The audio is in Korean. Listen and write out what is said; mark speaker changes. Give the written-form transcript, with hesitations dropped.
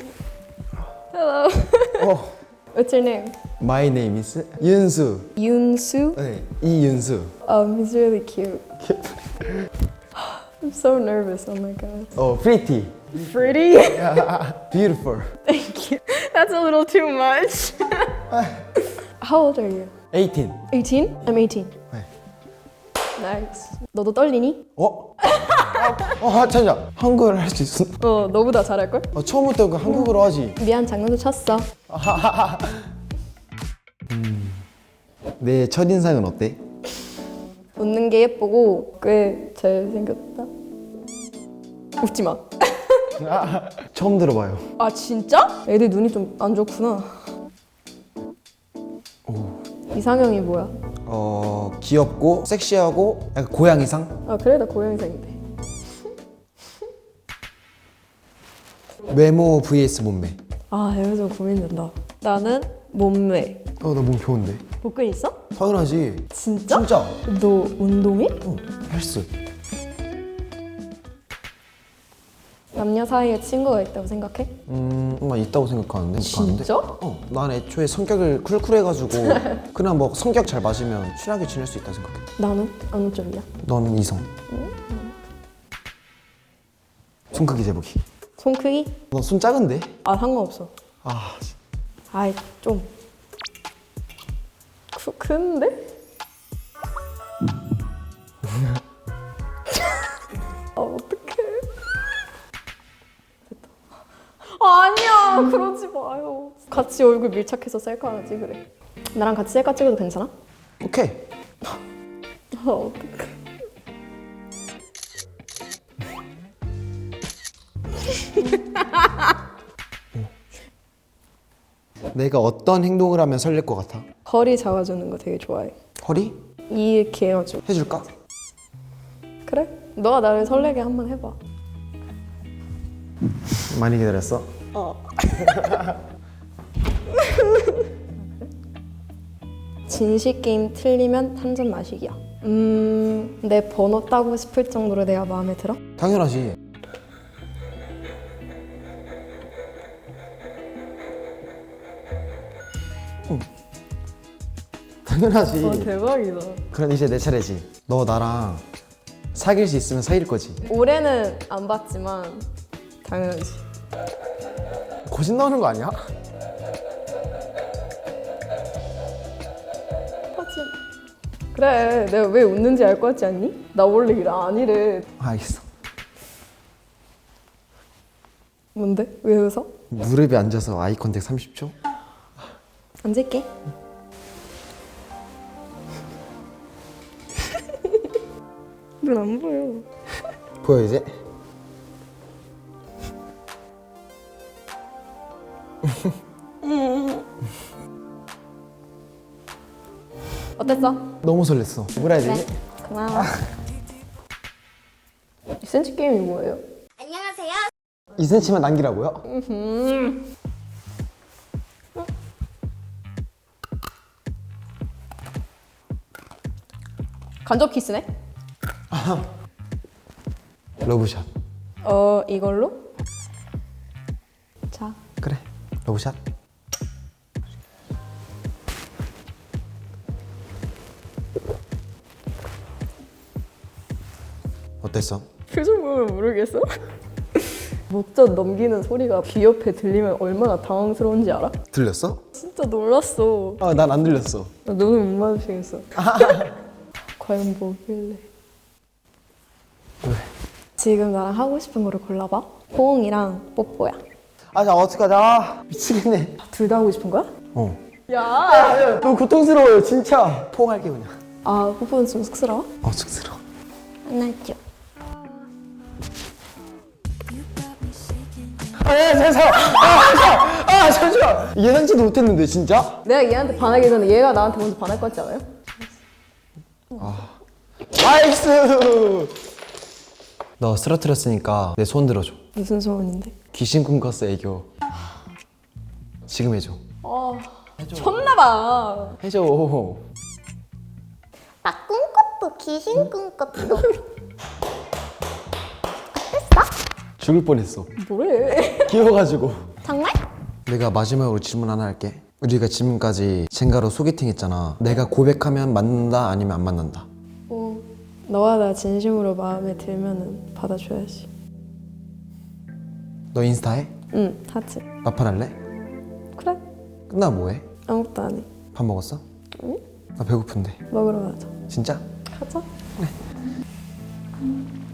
Speaker 1: Hello. What's your name?
Speaker 2: My name is 윤수.
Speaker 1: Yoonsu.
Speaker 2: 네, 이윤수.
Speaker 1: He's really cute. I'm so nervous. Oh my god.
Speaker 2: Pretty.
Speaker 1: Pretty?
Speaker 2: Beautiful.
Speaker 1: Thank you. That's a little too much. How old are you?
Speaker 2: 18.
Speaker 1: 18? I'm 18.
Speaker 2: 네.
Speaker 1: Nice. 너도 떨리니?
Speaker 2: 잠시만. 한국어를 할 수 있어?
Speaker 1: 너보다 잘할걸?
Speaker 2: 처음부터 그 한국어로 하지.
Speaker 1: 미안, 장난도 쳤어.
Speaker 2: 내 첫인상은 어때?
Speaker 1: 웃는 게 예쁘고 꽤 잘생겼다. 웃지 마.
Speaker 2: 처음 들어봐요.
Speaker 1: 아 진짜? 애들 눈이 좀 안 좋구나. 이상형이 뭐야?
Speaker 2: 귀엽고 섹시하고 약간 고양이상?
Speaker 1: 아 그래 나 고양이상인데.
Speaker 2: 외모 vs 몸매.
Speaker 1: 아 이거 좀 고민된다. 나는 몸매.
Speaker 2: 나 몸 좋은데.
Speaker 1: 복근 있어?
Speaker 2: 당연하지.
Speaker 1: 진짜?
Speaker 2: 진짜.
Speaker 1: 너 운동해?
Speaker 2: 헬스.
Speaker 1: 남녀 사이에 친구가 있다고 생각해?
Speaker 2: 나 있다고 생각하는데.
Speaker 1: 진짜?
Speaker 2: 난 애초에 성격을 쿨쿨해가지고 그냥 뭐 성격 잘 맞으면 친하게 지낼 수 있다 생각해.
Speaker 1: 나는? 어느 쪽이야?
Speaker 2: 넌 이성. 손 크기 재보기.
Speaker 1: 손 크기?
Speaker 2: 너 손 작은데?
Speaker 1: 아 상관없어. 아이 좀 큰데? 어떡해. 됐다. 아니야 그러지 마요. 같이 얼굴 밀착해서 셀카 하나 찍으래. 나랑 같이 셀카 찍어도 괜찮아?
Speaker 2: 오케이.
Speaker 1: 어떡해.
Speaker 2: 내가 어떤 행동을 하면 설렐 것 같아?
Speaker 1: 허리 잡아주는 거 되게 좋아해.
Speaker 2: 허리?
Speaker 1: 이렇게 해가지고.
Speaker 2: 해줄까?
Speaker 1: 그래? 너가 나를 설레게 한번 해봐.
Speaker 2: 많이 기다렸어?
Speaker 1: 진실 게임 틀리면 한 잔 마시기야. 내 번호 따고 싶을 정도로 내가 마음에 들어?
Speaker 2: 당연하지. 당연하지.
Speaker 1: 대박이다.
Speaker 2: 그럼 이제 내 차례지. 너 나랑 사귈 수 있으면 사귈 거지.
Speaker 1: 올해는 안 봤지만 당연하지.
Speaker 2: 거짓 나오는 거 아니야?
Speaker 1: 하지. 그래, 내가 왜 웃는지 알 것 같지 않니? 나 원래 아니래.
Speaker 2: 알겠어.
Speaker 1: 뭔데? 왜 웃어?
Speaker 2: 무릎에 앉아서 아이 컨택 30초?
Speaker 1: 앉을게. 눈 안 보여.
Speaker 2: 보여 이제?
Speaker 1: 어땠어?
Speaker 2: 너무 설렜어. 뭐라 해야 되지?
Speaker 1: 고마워. 2cm 게임이 뭐예요?
Speaker 2: 2cm만 남기라고요?
Speaker 1: 간접 키스네?
Speaker 2: 러브샷.
Speaker 1: 이걸로? 자.
Speaker 2: 그래. 러브샷. 어땠어?
Speaker 1: 표정 보면 모르겠어? 목젖 넘기는 소리가 귀 옆에 들리면 얼마나 당황스러운지 알아?
Speaker 2: 들렸어?
Speaker 1: 진짜 놀랐어.
Speaker 2: 난 안 들렸어.
Speaker 1: 나 눈을 못 마주치겠어. 과연 뭐길래?
Speaker 2: 왜?
Speaker 1: 지금 나랑 하고 싶은 거를 골라봐. 포옹이랑 뽀뽀야.
Speaker 2: 자 어떡하자. 미치겠네.
Speaker 1: 둘 다 하고 싶은 거야? 야!
Speaker 2: 너무 고통스러워요 진짜. 포옹할게 그냥.
Speaker 1: 아, 뽀뽀는 좀 쑥스러워?
Speaker 2: 쑥스러워.
Speaker 1: 안할게요.
Speaker 2: 잠시만. 예상치도 못했는데 진짜?
Speaker 1: 내가 얘한테 반하기 전에 얘가 나한테 먼저 반할 것 같지 않아요?
Speaker 2: 나이스. 너 쓰러뜨렸으니까 내 손 들어줘.
Speaker 1: 무슨 소원인데?
Speaker 2: 귀신 꿈꿨어 애교. 지금 해줘.
Speaker 1: 쳤나봐.
Speaker 2: 해줘.
Speaker 3: 나 꿈꿨어. 귀신 꿈꿨어.
Speaker 2: 죽을 뻔했어.
Speaker 1: 뭐래?
Speaker 2: 귀여워가지고.
Speaker 3: 장난
Speaker 2: 내가 마지막으로 질문 하나 할게. 우리가 지금까지 젠가로 소개팅 했잖아. 내가 고백하면 맞는다 아니면 안 맞는다?
Speaker 1: 너가 나 진심으로 마음에 들면은 받아줘야지.
Speaker 2: 너 인스타 해?
Speaker 1: 응, 하지.
Speaker 2: 마팔 할래?
Speaker 1: 그래?
Speaker 2: 끝나면 뭐해?
Speaker 1: 아무것도 안 해.
Speaker 2: 밥 먹었어?
Speaker 1: 응?
Speaker 2: 나 배고픈데.
Speaker 1: 먹으러 가자.
Speaker 2: 진짜?
Speaker 1: 가자.
Speaker 2: 그래.